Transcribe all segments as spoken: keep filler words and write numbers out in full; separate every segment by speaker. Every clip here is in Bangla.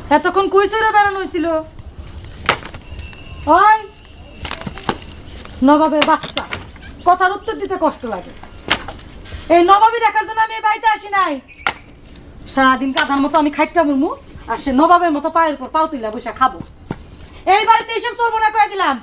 Speaker 1: এতক্ষণ কই চড়ে বেড়ানো হয়েছিল? ওই নবাবের বাচ্চা, কথার উত্তর দিতে কষ্ট লাগে। এই নবাবী দেখার জন্য আমি এই বাড়িতে আসি নাই। সারাদিন কাঁধার মতো আমি খাইটা মুমু, আর সে নবাবের মতো পায়ের উপর পাও তুইলা বসে খাবো। এই বাড়িতে এইসব চলবো না কয়ে দিলাম।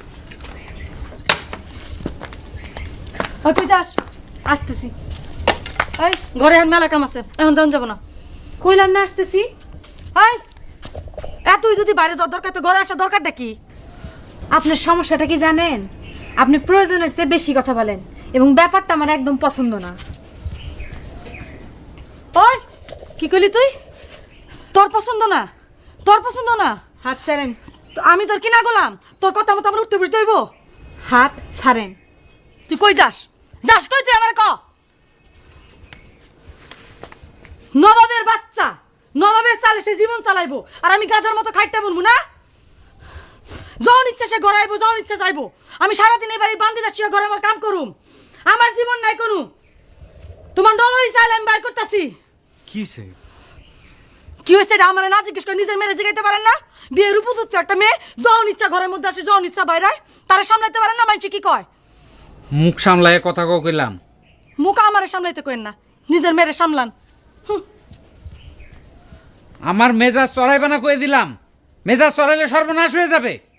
Speaker 1: ওই তুই যাস, আসতেছি। এই ঘরে এখন মেলা কাম আছে, এখন যাওয়া যাবো না।
Speaker 2: কইলাম না আসতেছি।
Speaker 1: এই এতই যদি বাইরে যাওয়ার দরকার, তো ঘরে আসার দরকারটা কি?
Speaker 2: আপনার সমস্যাটা কি জানেন? আপনি প্রয়োজনের চেয়ে বেশি কথা বলেন এবং ব্যাপারটা আমার একদম পছন্দ না।
Speaker 1: ওই কি কইলি তুই? তোর পছন্দ না? তোর পছন্দ না?
Speaker 2: হাত ছাড়েন।
Speaker 1: তো আমি তোর কিনা গোলাম? তোর কথা মতো আমার উঠতে বসতে হইব?
Speaker 2: হাত ছাড়েন।
Speaker 1: তুই কই যাস? যাস কই তুই? আমার ক। নবাবের বাচ্চা, নবাবের চালে সে জীবন চালাইবো, আর আমি গাধার মতো খাইটা বলবো না? যখন ইচ্ছা সে ঘরে আইবো, যখন ইচ্ছা যাইবো। আমি সারাদিন এই বাড়ি বান্দি দাসিয়া ঘরে আমার কাম করুম, আমার জীবন নাই কোনো। তোমার নবাবই চাইলে আমি বাইর করতেছি।
Speaker 3: কিসে
Speaker 1: কি হয়েছে এটা আমার না জিজ্ঞেস করে নিজের মেরে জিগাইতে পারেন না? বিয়ের উপযুক্ত একটা মেয়ে যখন ইচ্ছা ঘরের মধ্যে আসে, যখন ইচ্ছা বাইরে হয়, তারা সামলাইতে পারেন না? মানুষ কি কয়?
Speaker 3: মুখ সামলায় কথা কইলাম।
Speaker 1: মুখ আমারে সামলাইতে কইেন না, নিজের মেরে সামলান।
Speaker 3: আমার মেজাজ চড়াইবে না কয়ে দিলাম। মেজাজ চড়াইলে সর্বনাশ হয়ে যাবে।